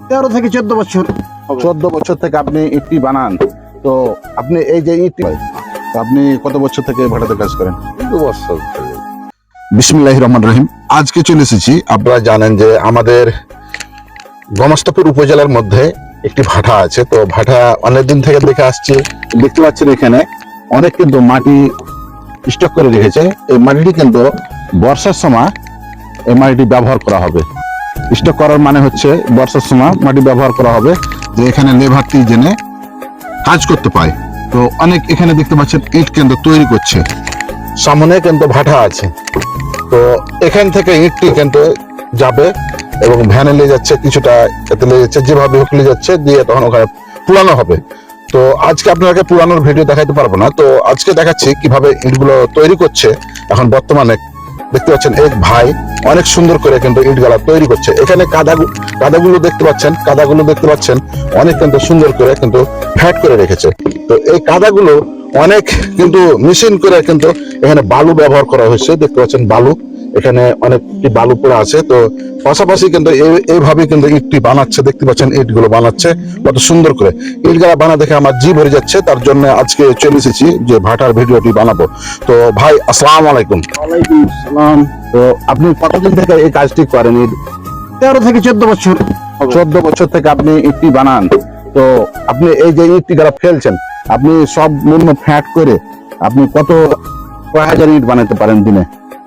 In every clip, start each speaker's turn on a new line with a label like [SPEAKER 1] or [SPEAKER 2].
[SPEAKER 1] 13 থেকে 14 বছর।
[SPEAKER 2] 14 বছর থেকে আপনি ইটটি বানান। তো আপনি এই যে ইটটি, তো আপনি কত বছর থেকে ভাটাতে কাজ করেন?
[SPEAKER 3] 2 বছর।
[SPEAKER 2] বিসমিল্লাহির রহমানির রহিম। আজকে চলে এসেছি, আপনারা জানেন যে আমাদের গণস্তাপুর উপজেলার মধ্যে একটি ভাটা আছে। তো ভাটা অনেকদিন থেকে দেখে আসছে, দেখতে পাচ্ছেন এখানে অনেক কিন্তু মাটি স্টক করে রেখেছে। এই মাটিটি কিন্তু বর্ষার সময় এই মাটিটি ব্যবহার করা হবে। স্টক করার মানে হচ্ছে বর্ষার সময় মাটি ব্যবহার করা হবে, যে এখানে লেবারটি জেনে কাজ করতে পায়। তো অনেক এখানে দেখতে পাচ্ছেন ইট কিন্তু তৈরি করছে, সামনে কিন্তু ভাটা আছে। তো এখান থেকে ইটটি কিন্তু যাবে এবং ভ্যানে নিয়ে যাচ্ছে, কিছুটা এতে নিয়ে যাচ্ছে, যেভাবে হোক নিয়ে যাচ্ছে, দিয়ে তখন ওখানে পুরানো হবে। তো আজকে আপনাকে পুরানোর ভিডিও দেখাইতে পারবো না, তো আজকে দেখাচ্ছি কিভাবে ইটগুলো তৈরি করছে। এখন বর্তমানে দেখতে পাচ্ছেন এক ভাই অনেক সুন্দর করে কিন্তু ইটগুলা তৈরি করছে। এখানে কাদাগুলো দেখতে পাচ্ছেন অনেক কিন্তু সুন্দর করে কিন্তু ফ্যাট করে রেখেছে। তো এই কাদাগুলো অনেক কিন্তু মেশিন করে কিন্তু এখানে বালু ব্যবহার করা হয়েছে। দেখতে পাচ্ছেন বালু, এখানে অনেকটি বালু পড়ে আছে। তো পাশাপাশি কিন্তু এইভাবে কিন্তু ইটটি বানাচ্ছে, দেখতে পাচ্ছেন ইটগুলো বানাচ্ছে কত সুন্দর করে। ইটগুলা বানা দেখে আমার জি ভরে যাচ্ছে, তার জন্য আজকে চলে এসেছি যে ভাটার ভিডিওটি বানাবো। তো ভাই আসসালামু আলাইকুম।
[SPEAKER 1] ওয়ালাইকুম আসসালাম।
[SPEAKER 2] তো আপনি কতদিন থেকে এই কাজটি করেন?
[SPEAKER 1] 13 থেকে 14 বছর।
[SPEAKER 2] 14 বছর থেকে আপনি ইটটি বানান। তো আপনি এই যে ইটটি যারা ফেলছেন, আপনি সব মূল্য ফ্যাট করে আপনি কয় হাজার ইট বানাতে পারেন দিনে?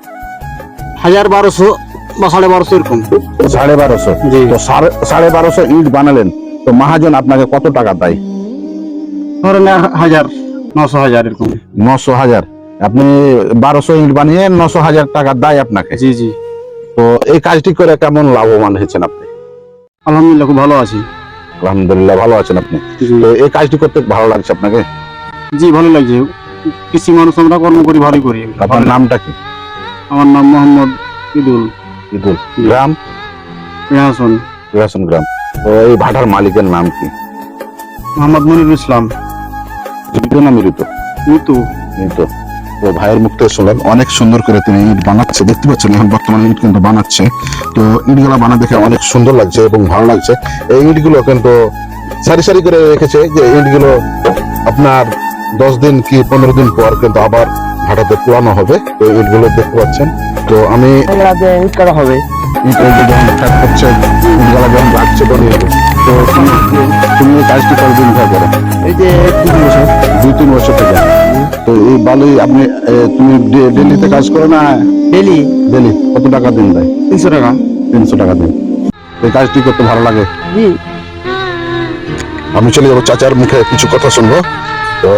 [SPEAKER 1] 1200 বা 1250 এরকম।
[SPEAKER 2] 1250।
[SPEAKER 1] জি।
[SPEAKER 2] তো 1250 ইট বানালেন, তো মহাজন আপনাকে কত টাকা দেয়?
[SPEAKER 1] ধরেন 1000 900 এরকম।
[SPEAKER 2] 900,000। আপনি 1200 ইট বানিয়ে 900,000 টাকা দেয় আপনাকে।
[SPEAKER 1] জি জি,
[SPEAKER 2] তো এই কাজটি করে কেমন লাভবান হয়েছেন আপনি?
[SPEAKER 1] আলহামদুলিল্লাহ খুব ভালো আছি।
[SPEAKER 2] আলহামদুলিল্লাহ ভালো আছেন আপনি।
[SPEAKER 1] জি
[SPEAKER 2] তো এই কাজটি করতে ভালো লাগছে আপনাকে?
[SPEAKER 1] জি, ভালো লাগছে। কৃষি মানুষ আমরা কর্ম করি, ভালোই করি।
[SPEAKER 2] আপনার নামটা কি?
[SPEAKER 1] আমার নাম মোহাম্মদ ইদুল
[SPEAKER 2] ইদুল। গ্রাম?
[SPEAKER 1] রেহাসন।
[SPEAKER 2] রেহাসন গ্রাম। তো এই ভাটার মালিকের নাম কি?
[SPEAKER 1] মোহাম্মদ মনিরুল ইসলাম।
[SPEAKER 2] জীবিত না মৃত?
[SPEAKER 1] মৃত্যু।
[SPEAKER 2] মৃত। তো ভাইয়ের মুখ থেকে শুনলেন অনেক সুন্দর করে তিনি ইট বানাচ্ছে, দেখতে পাচ্ছেন এখন বর্তমানে ইট কিন্তু বানাচ্ছে। তো ইটগুলো বানা দেখে অনেক সুন্দর লাগছে এবং ভালো লাগছে। এই ইটগুলো কিন্তু সারি সারি করে রেখেছে, যে ইটগুলো আপনার 10 দিন কি 15 দিন পর কিন্তু আবার ভাটাতে পুরানো হবে। তো ইটগুলো দেখতে পাচ্ছেন। তো আমি
[SPEAKER 1] ইট করা হবে।
[SPEAKER 2] ইটের যে যখন ফ্যাট করছে, ইটগুলো যখন রাখছে বানিয়ে, তো তুমি এই কাজটি কতদিন ধরে করো?
[SPEAKER 1] এই যে 2 বছর।
[SPEAKER 2] 2-3 বছর থেকে। তো এই বালুই আপনি তুমি ডেলিতে কাজ করো না?
[SPEAKER 1] ডেলি
[SPEAKER 2] ডেলি কত টাকা দিন দেয়?
[SPEAKER 1] 300 টাকা।
[SPEAKER 2] 300 টাকা দিন। এই কাজটি করতে ভালো লাগে।
[SPEAKER 1] জি।
[SPEAKER 2] আমি চলে যাবো চাচার মুখে কিছু কথা শুনবো। তো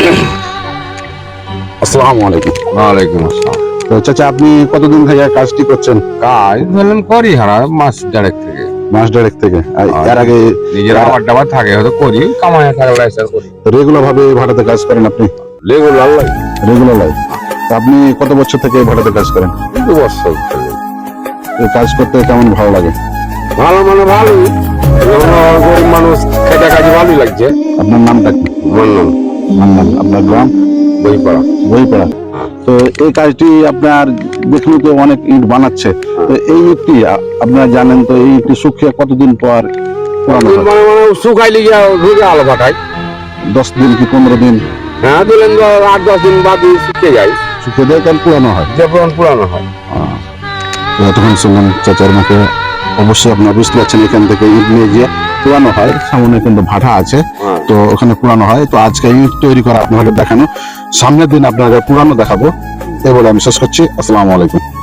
[SPEAKER 2] আসসালামু আলাইকুম।
[SPEAKER 3] ওয়ালাইকুম আসসালাম।
[SPEAKER 2] তো চাচা আপনি কতদিন থেকে কাজটি করছেন?
[SPEAKER 3] কাজ ধরলাম করি হারা মাস দেড়েক থেকে।
[SPEAKER 2] মাস দেড়েক থেকে। আর এর আগে
[SPEAKER 3] নিজের আবার ডাবার থাকে হয়তো করি, কামাই থাকলে এসব করি।
[SPEAKER 2] রেগুলার ভাবে ভাড়াতে কাজ করেন আপনি?
[SPEAKER 3] রেগুলার লাগে।
[SPEAKER 2] Regular life. আপনি কত বছর থেকে ভাড়াতে কাজ করেন?
[SPEAKER 3] 2 বছর।
[SPEAKER 2] এই কাজ করতে কেমন ভালো লাগে?
[SPEAKER 3] ভালো মানে ভালোই, যেমন গরিব মানুষ খেটে কাজে ভালোই লাগছে।
[SPEAKER 2] আপনার নামটা কি?
[SPEAKER 3] মান্নান।
[SPEAKER 2] মান্নান। আপনার গ্রাম?
[SPEAKER 3] বইপাড়া।
[SPEAKER 2] বইপাড়া। তো এই কাজটি আপনার দেখলে তো অনেক ইট বানাচ্ছে। তো এই ইটটি আপনারা জানেন, তো এই ইটটি শুকিয়ে কতদিন পর পুরানো হয়?
[SPEAKER 3] মানে শুকাইলে গিয়া রোজে আলো পাঠায়।
[SPEAKER 2] 10 দিন কি 15 দিন?
[SPEAKER 3] হ্যাঁ দিলেন 8-10 দিন বাদ শুকিয়ে যায়,
[SPEAKER 2] শুকিয়ে দেয়, তাহলে পুরানো হয়।
[SPEAKER 3] যখন পুরানো হয়।
[SPEAKER 2] তো তখন শুনলাম চাচার মুখে, অবশ্যই আপনারা বুঝতে পারছেন এখান থেকে ইট নিয়ে গিয়ে পুরানো হয়। সামনে কিন্তু ভাটা আছে, তো ওখানে পুরানো হয়। তো আজকে ইট তৈরি করা আপনাদের দেখানো, সামনের দিন আপনাদের পুরানো দেখাবো। এই বলে আমি শেষ করছি। আসসালামু আলাইকুম।